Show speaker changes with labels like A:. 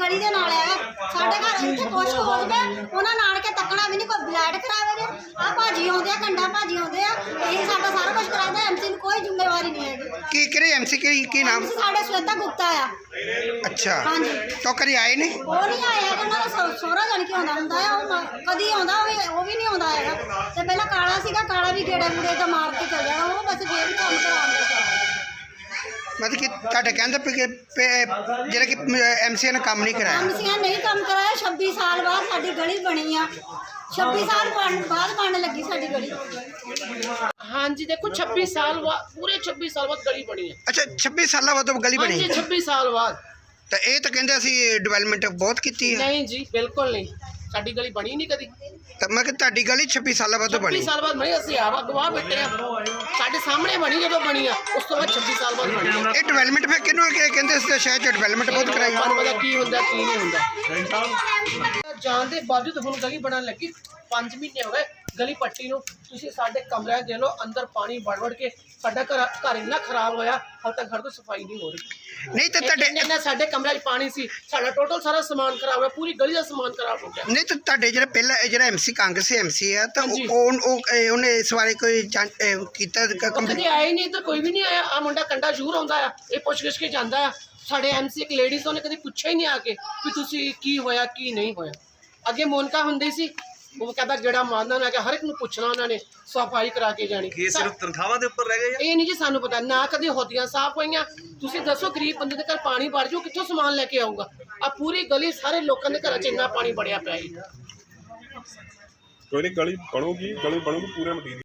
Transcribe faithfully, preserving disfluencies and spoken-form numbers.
A: ਗਲੀ ਦੇ ਨਾਲ ਹੈਗਾ ਸਾਡੇ ਘਰ ਇੱਥੇ ਕੁਛ ਹੋ ਜਾਵੇ ਉਹਨਾਂ ਨਾਲ ਕੇ ਤੱਕਣਾ ਵੀ ਨਹੀਂ ਕੋਈ ਬਲੈਡ ਕਰਾਵੇ ਨੇ ਆ ਭਾਜੀ ਆਉਂਦੇ ਆ ਕੰਡਾ ਭਾਜੀ ਆਉਂਦੇ ਆ ਇਹੀ ਸਾਡਾ ਸਾਰਾ ਕੁਝ ਕਰਾਉਂਦਾ ਐਮਸੀ ਨੂੰ ਕੋਈ ਜ਼ਿੰਮੇਵਾਰੀ ਨਹੀਂ ਹੈਗੀ
B: ਕੀ ਕਿਹੜੇ ਐਮਸੀ ਕੀ ਕੀ ਨਾਮ
A: ਸਾਡੇ ਸ਼ਵੇਤਾ ਗੁਪਤਾ ਆ
B: ਅੱਛਾ
A: ਹਾਂਜੀ
B: तो कभी आए नहीं
A: ਉਹ ਨਹੀਂ ਆਇਆ ਹੈਗਾ ਉਹਨਾਂ ਦਾ ਸੋਹਰਾ ਜਾਣ ਕੇ ਆਉਂਦਾ ਹੁੰਦਾ ਆ ਉਹ ਕਦੀ ਆਉਂਦਾ ਉਹ ਉਹ ਵੀ ਨਹੀਂ ਆਉਂਦਾ ਹੈਗਾ ਤੇ ਪਹਿਲਾਂ ਕਾਲਾ ਸੀਗਾ ਕਾਲਾ ਵੀ ਗੇੜੇ ਗੂੜੇ ਦਾ ਮਾਰ ਕੇ ਚੱਲ ਜਾਣਾ ਉਹ ਬਸ ਫੇਰ ਵੀ ਕੰਮ ਕਰਾਉਂਦੇ ਸੀ
B: मतलब कि ਤੁਹਾਡੇ ਕਹਿੰਦੇ ਪਏ ਕਿ ਜਿਹੜਾ ਕਿ ਐਮਸੀ ਨੇ ਕੰਮ ਨਹੀਂ ਕਰਾਇਆ
A: ਐਮਸੀਆਂ ਨਹੀਂ ਕੰਮ ਕਰਾਇਆ ਛੱਬੀ ਸਾਲ ਬਾਅਦ ਸਾਡੀ ਗਲੀ ਬਣੀ ਆ ਛੱਬੀ ਸਾਲ ਬਾਅਦ ਬਣਨ ਲੱਗੀ ਸਾਡੀ ਗਲੀ
C: हाँ जी देखो छब्बीस साल बाद पूरे छब्बीस साल बाद गली बनी है
B: अच्छा छब्बीस साल बाद गली
C: हाँ
B: बनी
C: जी छब्बीस साल बाद
B: तो ये तो कहते ਅਸੀਂ ਡਿਵੈਲਪਮੈਂਟ ਬਹੁਤ ਕੀਤੀ ਹੈ
C: नहीं जी बिल्कुल नहीं साडी गली बनी नहीं कदी
B: ਤਾਂ ਮੈਂ ਕਿ ਤੁਹਾਡੀ ਗਲੀ छब्बीस साल बाद बनी
C: छब्बीस साल बाद बनी ਅਸੀਂ ਆਵਾ ਗਵਾਹ ਬੈਠੇ ਆ ਸਾਡੇ ਸਾਹਮਣੇ ਬਣੀ ਜਦੋਂ ਬਣੀ ਆ ਉਸ ਤੋਂ ਬਾਅਦ छब्बीस साल बाद बनी
B: ਇਹ ਡਿਵੈਲਪਮੈਂਟ ਫਿਰ ਕਿਹਨੂੰ ਕਹਿੰਦੇ ਇਸ ਸ਼ਹਿਰ ਚ ਡਿਵੈਲਪਮੈਂਟ ਬਹੁਤ ਕਰਾਈ
C: ਤੁਹਾਨੂੰ ਪਤਾ ਕੀ ਹੁੰਦਾ ਕੀ ਨਹੀਂ ਹੁੰਦਾ ਜਾਣ ਦੇ ਬਾਵਜੂਦ ਹੁਣ ਗਲੀ ਬਣਨ ਲੱਗੀ पाँच महीने हो गए गली पट्टी ਨੂੰ ਤੁਸੀਂ ਸਾਡੇ ਕਮਰਿਆਂ ਦੇ ਲੋ ਅੰਦਰ ਪਾਣੀ ਵੜ ਵੜ ਕੇ ਸਾਡਾ ਘਰ ਘਰ ਇੰਨਾ ਖਰਾਬ ਹੋਇਆ ਹਾਲ ਤੱਕ ਘਰ ਤੋਂ ਸਫਾਈ ਨਹੀਂ ਹੋ ਰਹੀ
B: ਨਹੀਂ ਤਾਂ ਤੁਹਾਡੇ
C: ਇੰਨਾ ਸਾਡੇ ਕਮਰਿਆਂ 'ਚ ਪਾਣੀ ਸੀ ਸਾਡਾ ਟੋਟਲ ਸਾਰਾ ਸਮਾਨ ਖਰਾਬ ਹੋਇਆ ਪੂਰੀ ਗਲੀ ਦਾ ਸਮਾਨ ਖਰਾਬ ਹੋ ਗਿਆ
B: ਨਹੀਂ ਤਾਂ ਤੁਹਾਡੇ ਜਿਹੜਾ ਪਹਿਲਾਂ ਜਿਹੜਾ ਐਮਸੀ ਕਾਂਗਰਸੀ ਐਮਸੀ ਹੈ ਤਾਂ
C: ਹਾਂਜੀ।
B: ਉਹ ਉਹ ਇਹ ਉਹਨੇ ਇਸ ਬਾਰੇ ਕੋਈ ਜਾਂਚ ਇਹ ਕੀਤਾ
C: ਉਹ
B: ਕੰਪਨੀ
C: ਕਦੇ ਆਏ ਨਹੀਂ ਤਾਂ ਕੋਈ ਵੀ ਨਹੀਂ ਆਇਆ ਆ ਮੁੰਡਾ ਕੰਡਾ ਜ਼ਰੂਰ ਆਉਂਦਾ ਆ ਇਹ ਪੁੱਛ ਗਿੱਛ ਕੇ ਜਾਂਦਾ ਆ ਸਾਡੇ ਐਮਸੀ ਇੱਕ ਲੇਡੀਜ਼ ਉਹਨੇ ਕਦੇ ਪੁੱਛਿਆ ਹੀ ਨਹੀਂ ਆ ਕੇ ਵੀ ਤੁਸੀਂ ਕੀ ਹੋਇਆ ਕੀ ਨਹੀਂ ਹੋਇਆ ਅੱਗੇ ਮੋਨਕਾ ਹੁੰਦੀ ਸੀ ਉਹ ਕਹਿੰਦਾ ਜਿਹੜਾ ਮਾਰਨਾ ਨਾ ਕਿ ਹਰ ਇੱਕ ਨੂੰ ਪੁੱਛਣਾ ਉਹਨਾਂ ਨੇ ਸਫਾਈ ਕਰਾ ਕੇ ਜਾਣੀ
D: ਇਹ ਸਿਰਫ ਤਨਖਾਹਾਂ ਦੇ ਉੱਪਰ ਰਹਿ ਗਏ
C: ਇਹ ਨਹੀਂ ਜੀ ਸਾਨੂੰ ਪਤਾ ਨਾ ਕਦੇ ਹੋਦੀਆਂ ਸਾਫ਼ ਹੋਈਆਂ ਤੁਸੀਂ ਦੱਸੋ ਗਰੀਬ ਬੰਦੇ ਦੇ ਘਰ ਪਾਣੀ ਵੜ ਜਾਊ ਕਿੱਥੋਂ ਸਮਾਨ ਲੈ ਕੇ ਆਊਗਾ ਆ ਪੂਰੀ ਗਲੀ ਸਾਰੇ ਲੋਕਾਂ ਦੇ ਘਰਾਂ 'ਚ ਇੰਨਾ ਪਾਣੀ ਵੜਿਆ ਪਿਆ ਹੈ
E: ਕੋਈ ਨਹੀਂ ਗਲੀ ਬਣੂਗੀ ਗਲੀ ਬਣੂਗੀ ਪੂਰੇ ਮਟੀਰੀਅਲ